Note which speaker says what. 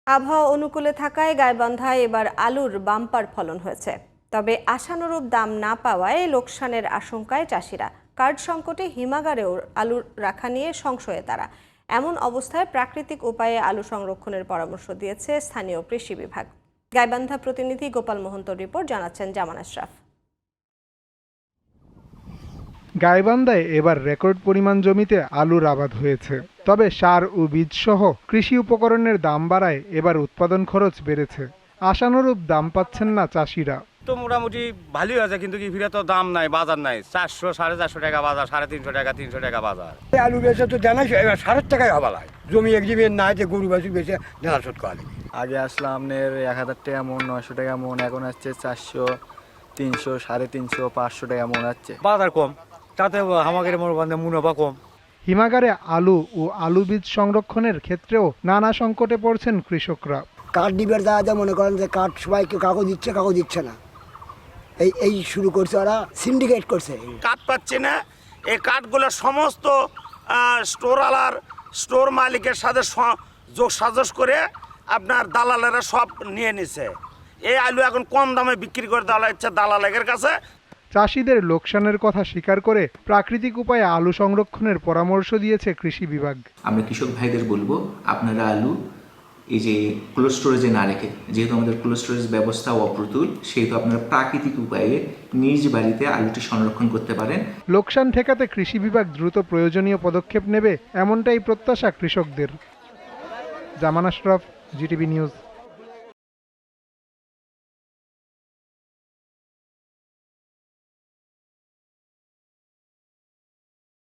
Speaker 1: আবহাওয়া অনুকূলে থাকায় গাইবান্ধায় এবার আলুর বাম্পার ফলন হয়েছে। তবে আশানুরূপ দাম না পাওয়ায় লোকসানের আশঙ্কায় চাষিরা। কার্ড সংকটে হিমাগারেও আলু রাখা নিয়ে সংশয়ে তারা। এমন অবস্থায় প্রাকৃতিক উপায়ে আলু সংরক্ষণের পরামর্শ দিয়েছে স্থানীয় কৃষি বিভাগ। গাইবান্ধা প্রতিনিধি গোপাল মোহন্তর রিপোর্ট, জানাচ্ছেন জামান আশরাফ।
Speaker 2: গাইবান্ধায় এবার রেকর্ড পরিমাণ জমিতে আলুর আবাদ হয়েছে। তবে সার ও বীজ সহ কৃষি উপকরণের দাম বাড়ায় এবার উৎপাদন খরচ বেড়েছে। আশানুরূপ দাম পাচ্ছেন না চাষিরা।
Speaker 3: তো মোটামুটি ভালোই আছে, কিন্তু কি ফিরে তো দাম নাই, বাজার নাই। 400 450 টাকা বাজার, 350 টাকা 300 টাকা বাজার।
Speaker 4: আলু বেচে তো জানাই 7,000 টাকায় হবা লাগে। জমি একদিনের নাই যে গরু বাছুর বেচে দেনা শোধ করা লাগে।
Speaker 5: আগে আসলে আপনার 1000 টাকা মন, 900 টাকা মন, এখন আসছে 400, 300, 350, 500 টাকা মন আছে।
Speaker 3: বাজার কম, তাতে আমাদের মুনাফা কম।
Speaker 2: হিমাগারে আলু ও আলু বীজ সংরক্ষণের ক্ষেত্রেও নানা সংকটে পড়ছেন কৃষকরা।
Speaker 4: কাঠ ডিবের যা মনে করেন যে কাঠ সবাইকে কাগজ দিচ্ছে না। এই শুরু করছে, ওরা সিন্ডিকেট করছে।
Speaker 3: কাঠ পাচ্ছে না, এই কাঠগুলো সমস্ত স্টোর মালিকের সাথে যোগ সাজস করে আপনার দালালেরা সব নিয়ে নিছে। এই আলু এখন কম দামে বিক্রি করে দেওয়া হচ্ছে দালালের কাছে।
Speaker 2: চাষিদের লোকসানের কথা স্বীকার করে প্রাকৃতিক উপায়ে আলু সংরক্ষণের পরামর্শ দিয়েছে কৃষি বিভাগ।
Speaker 6: আমরা কৃষক ভাইদের বলবো, আপনারা আলু এই যে কোল্ড স্টোরেজে না রেখে, যেহেতু আমাদের কোল্ড স্টোরেজ ব্যবস্থা অপ্রতুল, সেহেতু আপনারা প্রাকৃতিক উপায়ে নিজ বাড়িতে আলুটি সংরক্ষণ করতে পারেন।
Speaker 2: লোকসান ঠেকাতে কৃষি বিভাগ দ্রুত প্রয়োজনীয় পদক্ষেপ নেবে, এমনটাই প্রত্যাশা কৃষকদের। Zaman Ashraf, GTV news.